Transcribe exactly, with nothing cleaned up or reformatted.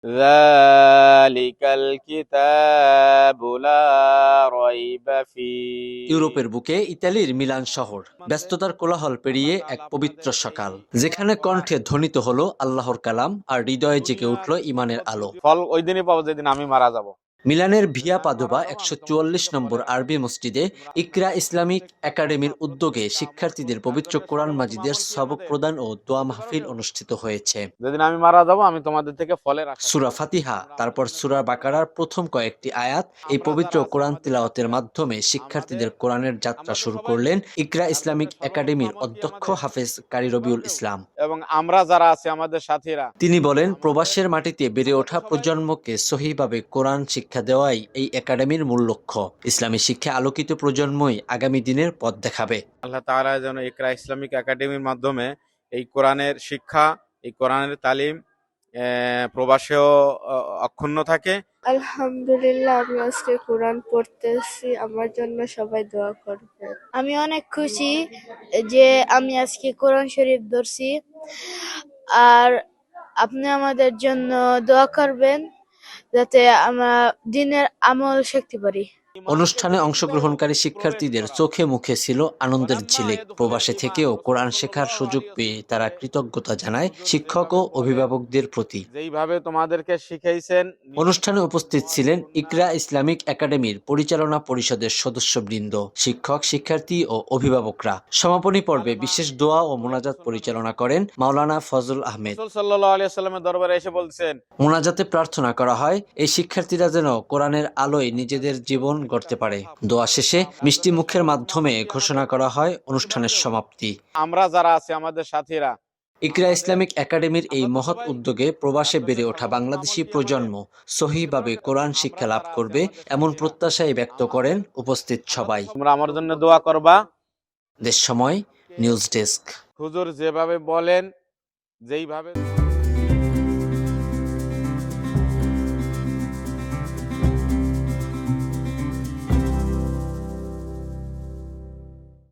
যালিকাল কিতাবু লা রাইবা ফীহ। ইউরোপের বুকে ইতালির মিলান শহর, ব্যস্ততার কোলাহল পেরিয়ে এক পবিত্র সকাল, যেখানে কণ্ঠে ধ্বনিত হলো আল্লাহর কালাম আর হৃদয়ে জেগে উঠল ইমানের আলো। ফল ওই দিনই পাবো যেদিন আমি মারা যাব। মিলানের ভিয়া পাদোবা একশো চুয়াল্লিশ নম্বর আরবি মসজিদে ইকরা ইসলামিক একাডেমির উদ্যোগে শিক্ষার্থীদের পবিত্র কোরআন মাজিদের সবক প্রদান ও দোয়া মাহফিল অনুষ্ঠিত হয়েছে। যেদিন আমি মারা যাব আমি তোমাদের থেকে ফলের আশা করব। সূরা ফাতিহা, তারপর সূরা বাকারার প্রথম কয়েকটি আয়াত, এই পবিত্র কোরআন তিলাওয়াতের মাধ্যমে শিক্ষার্থীদের কোরআনের যাত্রা শুরু করলেন ইকরা ইসলামিক একাডেমির অধ্যক্ষ হাফেজ কারি রবিউল ইসলাম। এবং আমরা যারা আছি আমাদের সাথীরা, তিনি বলেন, প্রবাসের মাটিতে বেড়ে ওঠা প্রজন্মকে সহিভাবে কোরআন শিক্ষা দেওয়াই এই একাডেমির মূল লক্ষ্য। ইসলামী শিক্ষা আলোকিত প্রজন্মই আগামী দিনের পথ দেখাবে। আল্লাহ তাআলা যেন ইকরা ইসলামিক একাডেমির মাধ্যমে এই কোরআনের শিক্ষা, এই কোরআনের তালিম আহ, প্রবাসেও আহ, অক্ষুণ্ণ থাকে। আলহামদুলিল্লাহ, আমি আজকে কোরআন পড়তেছি, আমার জন্য সবাই দোয়া করবে। আমি অনেক খুশি যে আমি আজকে কোরআন শরীফ ধরছি, আর আপনি আমাদের জন্য দোয়া করবেন যাতে আমরা দিনের আমল শিখতে পারি। অনুষ্ঠানে অংশগ্রহণকারী শিক্ষার্থীদের চোখে মুখে ছিল আনন্দের ঝিলিক। প্রবাসে থেকেও কোরআন শেখার সুযোগ পেয়ে তারা কৃতজ্ঞতা জানায় শিক্ষক ও অভিভাবকদের প্রতি। যেইভাবে তোমাদেরকে শিখাইছেন। অনুষ্ঠানে উপস্থিত ছিলেন ইকরা ইসলামিক একাডেমির পরিচালনা পরিষদের সদস্যবৃন্দ, শিক্ষক, শিক্ষার্থী ও অভিভাবকরা। সমাপনী পর্বে বিশেষ দোয়া ও মোনাজাত পরিচালনা করেন মাওলানা ফজল আহমেদ। রাসূল সাল্লাল্লাহু আলাইহি ওয়াসাল্লামের দরবারে এসে বলছেন, মোনাজাতে প্রার্থনা করা হয় এই শিক্ষার্থীরা যেন কোরআনের আলোয় নিজেদের জীবন গড়তে পারে। দোয়া শেষে মিষ্টি মুখের মাধ্যমে ঘোষণা করা হয় অনুষ্ঠানের সমাপ্তি। আমরা যারা আছি আমাদের সাথীরা, ইকরা ইসলামিক একাডেমির এই মহৎ উদ্যোগে প্রবাসে বেড়ে ওঠা বাংলাদেশি প্রজন্ম সহিভাবে কোরআন শিক্ষা লাভ করবে, এমন প্রত্যাশাই ব্যক্ত করেন উপস্থিত সবাই। তোমরা আমার জন্য দোয়া করবা। দেশ সময় নিউজ ডেস্ক। হুজুর যেভাবে বলেন, যেইভাবে